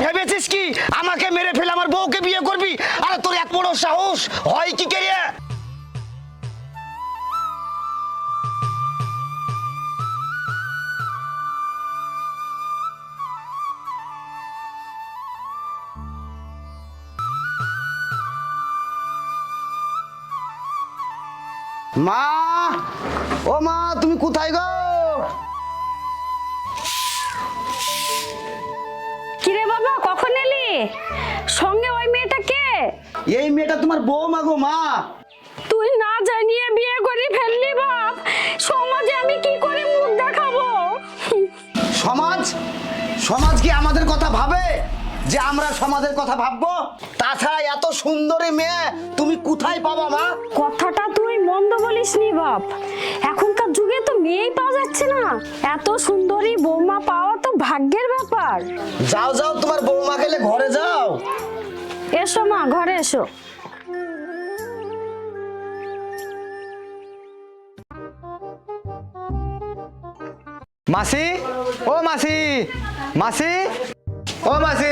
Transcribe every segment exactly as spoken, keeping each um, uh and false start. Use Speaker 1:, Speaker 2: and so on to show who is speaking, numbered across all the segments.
Speaker 1: ভেবেছিস কি আমাকে মেরে ফেলে আমার বউকে বিয়ে করবি? আরে তোর এত বড় সাহস হয় কি করে? মা, ও মা, তুমি কোথায় গো?
Speaker 2: কিরে বাবা, কখন এলি? সঙ্গে ওই মেয়েটা কে?
Speaker 1: এই মেয়েটা তোমার বৌমা গো মা।
Speaker 2: তুই না জানিয়ে বিয়ে করে ফেললি বাপ, সমাজে আমি কি করে মুখ দেখাবো?
Speaker 1: সমাজ সমাজ কি আমাদের কথা ভাবে যে আমরা সমাজের কথা ভাববো? তাছাড়া এত সুন্দরী মেয়ে তুমি কোথায় পাবা মা?
Speaker 2: কথাটা তুই মন্দ বলিসনি বাপ, এখনকার যুগে তো মেয়েই পাওয়া যাচ্ছে না। এত সুন্দরী বৌমা পাওয়া তো ভাগ্যের ব্যাপার।
Speaker 1: যাও যাও, তোমার বৌমা গেলে ঘরে যাও।
Speaker 2: এসো মা, ঘরে এসো।
Speaker 3: মাসি, ও মাসি, মাসি, ও মাসি।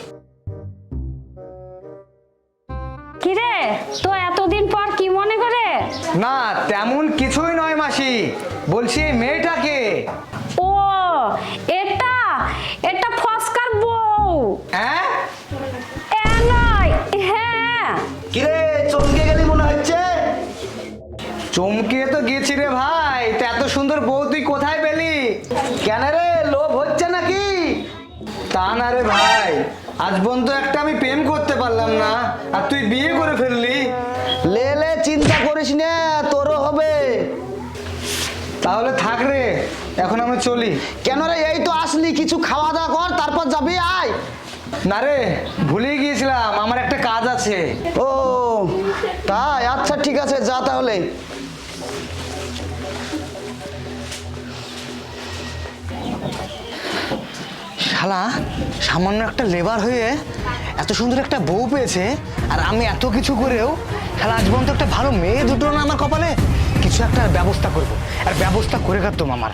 Speaker 2: কিরে, তো এতদিন পর কি মনে করে?
Speaker 3: না তেমন কিছুই নয় মাসি, বলছি এই মেয়েটাকে।
Speaker 2: ও, এটা এটা ফসকার বউ।
Speaker 3: হ্যাঁ
Speaker 2: এ নয়, হ্যাঁ।
Speaker 1: কিরে, চমকে গেলি মনে হচ্ছে?
Speaker 3: চমকে তো গেছি রে ভাই, তা এত সুন্দর বউ তুই কোথায় পেলি?
Speaker 1: কেন রে, লোভ হচ্ছে নাকি?
Speaker 3: তা না রে ভাই, আজ পর্যন্ত একটা আমি প্রেম করতে পারলাম না, আর তুই বিয়ে করে ফেললি।
Speaker 1: লে লে, চিন্তা করিস না, তোরও হবে।
Speaker 3: তাহলে থাক রে, এখন আমি চলি।
Speaker 1: কেন রে, এই তো আসলি, কিছু খাওয়া দাওয়া কর, তারপর যাবি। আয়।
Speaker 3: না রে, ভুলে গিয়েছিলাম, আমার একটা কাজ আছে।
Speaker 1: ও তাই, আচ্ছা ঠিক আছে, যা তাহলে।
Speaker 3: শালা সামান্য একটা লেবার হয়ে এত সুন্দর একটা বউ পেয়েছে, আর আমি এত কিছু করেও শালা আজ পর্যন্ত একটা ভালো মেয়ে দুটো না আমার কপালে। কিছু একটা ব্যবস্থা করব, আর ব্যবস্থা করে কাটতাম আমার।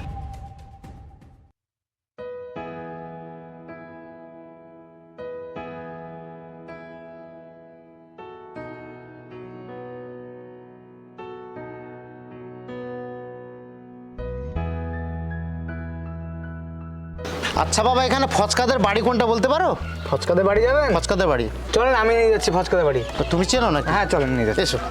Speaker 1: আচ্ছা বাবা, এখানে ফচকাদের বাড়ি কোনটা বলতে পারো?
Speaker 3: ফচকাদের বাড়ি যাবেন?
Speaker 1: ফচকাদের বাড়ি
Speaker 3: চলেন, আমি নিয়ে যাচ্ছি ফচকাদের বাড়ি।
Speaker 1: তো তুমি চেনো না?
Speaker 3: হ্যাঁ চলেন, নিয়ে যাচ্ছি।
Speaker 1: এসো।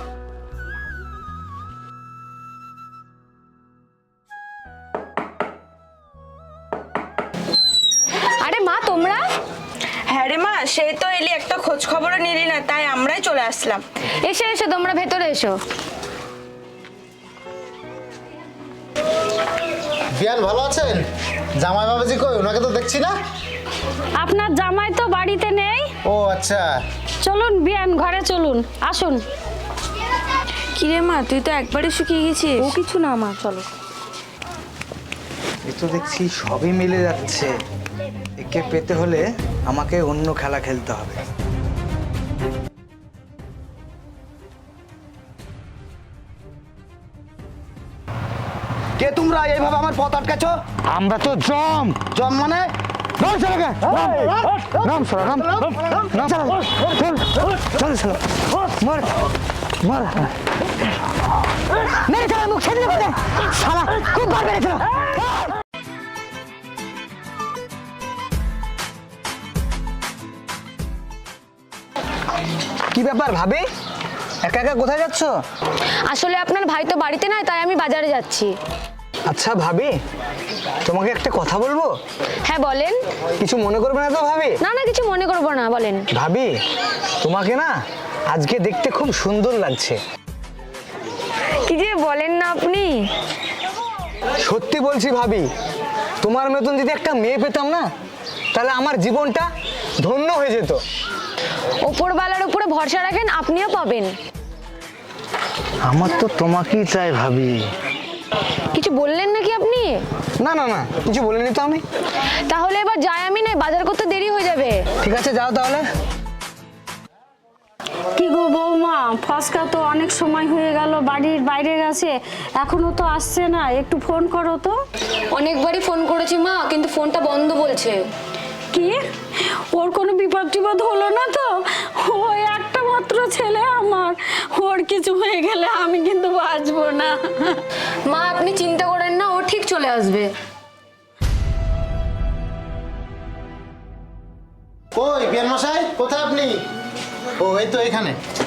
Speaker 2: আরে মা, তোমরা?
Speaker 4: হ্যাঁ রে মা, সেই তো এলি, একটা খোঁজ খবরও নিলি না, তাই আমরাই চলে আসলাম।
Speaker 2: এসো এসো, তোমরা ভেতরে এসো।
Speaker 1: বিয়ান ভালো আছেন? জামাই বাবাজি কই? ওনাকে তো দেখছি না।
Speaker 2: আপনার জামাই তো বাড়িতে নেই।
Speaker 1: ও আচ্ছা।
Speaker 2: চলুন বিয়ান, ঘরে চলুন, আসুন।
Speaker 4: কিরে মা, তুই তো একবারে শুকিয়ে গেছিস।
Speaker 2: ও কিছু না মা, চলো।
Speaker 3: এ তো দেখছি সবই মিলে যাচ্ছে। একে পেতে হলে আমাকে অন্য খেলা খেলতে হবে।
Speaker 1: কে তোমরা এইভাবে আমার পথ আটকাছো?
Speaker 3: আমরা তো জম
Speaker 1: জম মানে?
Speaker 3: রাম সালাকে রাম সালা রাম রাম সালা চল চল সালা মার মার মেরে সালা মুখ ছেড়ে দে সালা, খুব বার মেরেছিল। কি ব্যাপার ভাবি, একা একা কোথায় যাচ্ছ?
Speaker 2: আসলে আপনার ভাই তো বাড়িতে নয়, তাই আমি বাজারে যাচ্ছি।
Speaker 3: আচ্ছা ভাবি, তোমাকে একটা কথা বলবো?
Speaker 2: হ্যাঁ বলেন।
Speaker 3: কিছু মনে করবে না তো ভাবি?
Speaker 2: না না, কিছু মনে করবো না, বলেন।
Speaker 3: ভাবি, তোমাকে না আজকে দেখতে খুব সুন্দর লাগছে।
Speaker 2: কি যে বলেন না আপনি।
Speaker 3: সত্যি বলছি ভাবি, তোমার মতন যদি একটা মেয়ে পেতাম না, তাহলে আমার জীবনটা ধন্য হয়ে যেত।
Speaker 2: ওপরওয়ালার উপরে ভরসা রাখেন, আপনিও পাবেন।
Speaker 3: আমার তো তোমাকেই চাই ভাবি।
Speaker 2: কিছু বললেন নাকি আপনি?
Speaker 3: না না না, কিছু বলিনি তো আমি।
Speaker 2: তাহলে এবার যাই আমি, নয় বাজার করতে দেরি হয়ে যাবে।
Speaker 3: ঠিক আছে, যাও তাহলে।
Speaker 2: কি গো বৌমা, ফসকা তো অনেক সময় হয়ে গেল বাড়ির বাইরে গেছে, এখনো তো আসছে না, একটু ফোন করো তো।
Speaker 5: অনেকবারই ফোন করেছি মা, কিন্তু ফোনটা বন্ধ বলছে।
Speaker 2: কি, ওর কোনো টিপদ হলো না তো, ওই একটা মাত্র ছেলে আমার, ওর কিছু হয়ে গেলে আমি কিন্তু বাঁচবো না।
Speaker 5: মা আপনি চিন্তা করেন না, ও ঠিক চলে আসবে।
Speaker 6: কই বিয়ান মশাই, কোথায় আপনি? ও এই তো এখানে।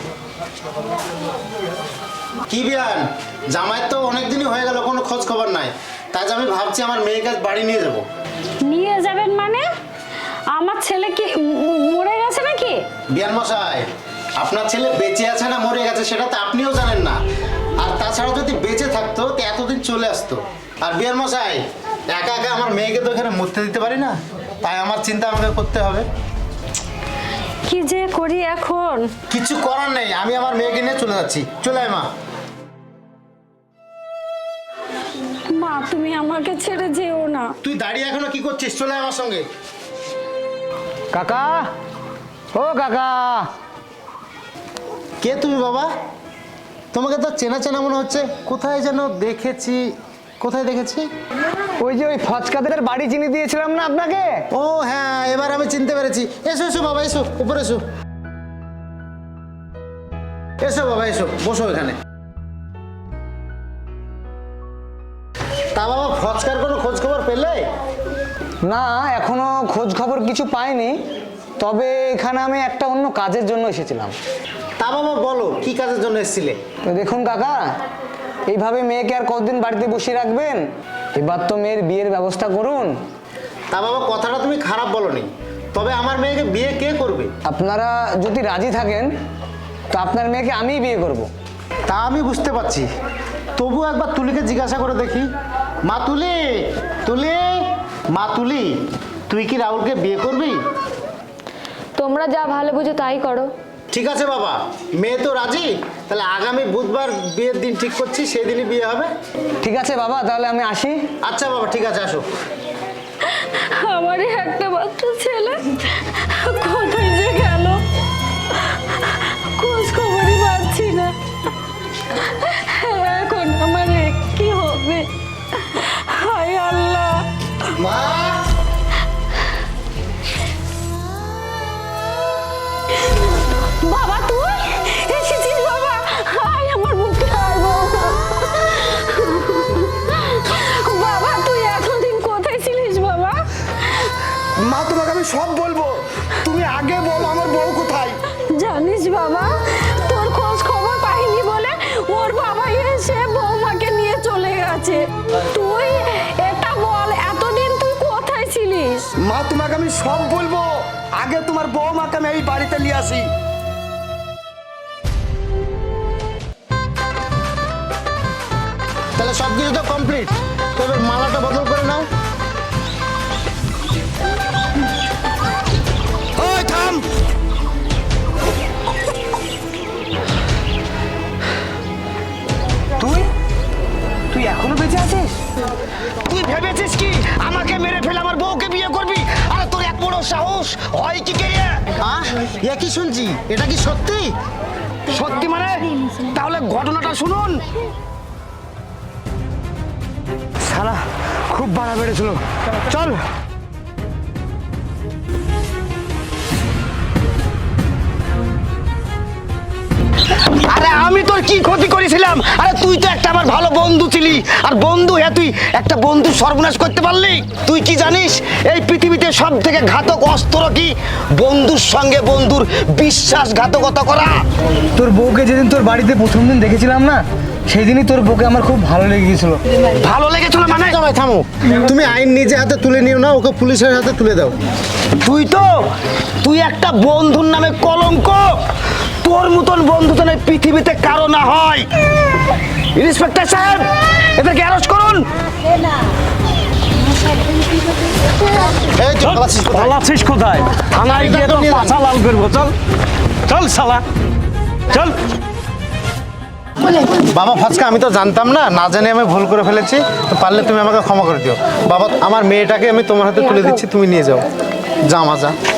Speaker 6: কি বিয়ান, জামাইয়ের তো অনেকদিনই হয়ে গেল, কোনো খোঁজ খবর নাই। তাই যে আমি ভাবছি আমার মেয়েকে আজ বাড়ি নিয়ে যাব।
Speaker 2: নিয়ে যাবেন মানে? আমার ছেলে কি ম- মরে গেছে নাকি?
Speaker 6: বিয়ান মশাই, আপনার ছেলে বেঁচে আছে না মরে গেছে সেটা তো আপনিও জানেন না। আর তাছাড়া যদি বেঁচে থাকতো তো এতদিন চলে আসতো। আর বিয়ান মশাই, একা একা আমার মেয়েকে তো এখানে মরতে দিতে পারি না, তাই আমার চিন্তা আমাকে করতে হবে।
Speaker 2: কি যে করি এখন?
Speaker 6: কিছু করার নেই, আমি আমার মেয়েকে নিয়ে চলে যাচ্ছি। চলে আয় মা।
Speaker 2: মা তুমি আমাকে ছেড়ে যেও না।
Speaker 6: তুই দাঁড়িয়ে এখনো কি করছিস? চলে আয় আমার সঙ্গে।
Speaker 3: কাকা, ও কাকা।
Speaker 6: কে তুমি বাবা? তোমাকে তো চেনা চেনা মনে হচ্ছে, কোথায় যেন দেখেছি। কোথায় দেখেছি?
Speaker 3: ওই যে ওই ফচকাদের বাড়ি চিনি দিয়েছিলাম না আপনাকে?
Speaker 6: ও হ্যাঁ, এবার আমি চিনতে পেরেছি। এসো এসো বাবা, এসো উপরে এসো। এসো বাবা, এসো বসো এখানে। তা বাবা, ফচকার কোনো খোঁজ খবর পেলে?
Speaker 3: না, এখনো খোঁজ খবর কিছু পাইনি, তবে এখানে আমি একটা অন্য কাজের জন্য এসেছিলাম।
Speaker 6: তা বাবা বলো, কি কাজের জন্য এসেছিলে?
Speaker 3: তো দেখুন কাকা, এইভাবে মেয়েকে আর কতদিন বাড়িতে বসিয়ে রাখবেন? এবার তো মেয়ের বিয়ের ব্যবস্থা করুন।
Speaker 6: তা বাবা, কথাটা তুমি খারাপ বলনি, তবে আমার মেয়েকে বিয়ে কে করবে?
Speaker 3: আপনারা যদি রাজি থাকেন তো আপনার মেয়েকে আমিই বিয়ে করব।
Speaker 6: তা আমি বুঝতে পারছি, তবু একবার তুলিকে জিজ্ঞাসা করে দেখি। মা তুলি, তুলি, মা তুলি, তুই কি রাহুলকে বিয়ে করবি?
Speaker 5: তোমরা যা ভালো বুঝো তাই করো।
Speaker 6: ঠিক আছে বাবা, মেয়ে তো রাজি, তাহলে আগামী বুধবার বিয়ের দিন ঠিক করছি, সেই দিনই বিয়ে হবে।
Speaker 3: ঠিক আছে বাবা, তাহলে আমি আসি।
Speaker 6: আচ্ছা বাবা, ঠিক আছে, আসো।
Speaker 2: আমারই একটা মাত্র ছেলে কোথায় যে গেল, খোঁজ খবরই পাচ্ছি না। এখন আমার কি হবে? হায় আল্লাহ।
Speaker 6: মা,
Speaker 2: বাবা তুই এসেছিস? বাবা হায় আমার বুকে, হায় বাবা। বাবা তুই এতদিন কোথায় ছিলিস বাবা?
Speaker 1: মা তোমাকে আমি সব বলবো, তুমি আগে বলো আমার বউ কোথায়।
Speaker 2: জানিস বাবা, তোর খোঁজ খবর পাইনি বলে ওর বাবা এসে বৌমাকে নিয়ে চলে গেছে। তুই এটা বল, এতদিন তুই কোথায় ছিলিস?
Speaker 1: মা তোমাকে আমি সব বলবো, আগে তোমার বৌমাকে আমি এই বাড়িতে নিয়ে আসি।
Speaker 6: তাহলে সব কিছু তো কমপ্লিট, তবে মালাটা বদল করে নাও।
Speaker 1: ওই থাম,
Speaker 3: তুই তুই এখনো বেঁচে আছিস?
Speaker 1: তুই ভেবেছিস কি আমাকে মেরে ফেলে আমার বউকে বিয়ে করবি? আরে তোর এক বড় সাহস হয় কি কে?
Speaker 6: আহ, এ কি শুনছি, এটা কি সত্যি?
Speaker 1: সত্যি মানে? তাহলে ঘটনাটা শুনুন।
Speaker 3: শালা খুব বাড়া বেড়েছিল, চল।
Speaker 1: আরে আমি তোর কি ক্ষতি করেছিলাম? আরে তুই তো একটা আমার ভালো বন্ধু ছিলি, আর বন্ধু হ্যাঁ তুই একটা বন্ধু সর্বনাশ করতে পারলি? তুই কি জানিস এই পৃথিবীতে সব থেকে ঘাতক অস্ত্র কি? বন্ধুর সঙ্গে বন্ধুর বিশ্বাসঘাতকতা করা।
Speaker 3: তোর বউকে যেদিন তোর বাড়িতে প্রথম দিন দেখেছিলাম না, সেই দিনই তোর বউকে আমার খুব ভালো লেগে গিয়েছিল।
Speaker 1: ভালো লেগেছিল মানে?
Speaker 6: জামাই থামো, তুমি আইন নিজে হাতে তুলে নিও না, ওকে পুলিশের হাতে তুলে দাও।
Speaker 1: তুই তো তুই একটা বন্ধুর নামে কলঙ্ক। তোর মতন বন্ধু তো এই পৃথিবীতে কারো না হয়। ইন্সপেক্টর সাহেব, এদেরকে অ্যারেস্ট করুন।
Speaker 6: এই তো পালাচ্ছিস কোথায়?
Speaker 7: পালাচ্ছিস কোথায়? থানায় গিয়ে তো পাছা লাল করবো। চল চল শালা, চল।
Speaker 6: বাবা ফচকা, আমি তো জানতাম না, না জানি আমি ভুল করে ফেলেছি, তো পারলে তুমি আমাকে ক্ষমা করে দিও। বাবা, আমার মেয়েটাকে আমি তোমার হাতে তুলে দিচ্ছি, তুমি নিয়ে যাও। যা মা, যা।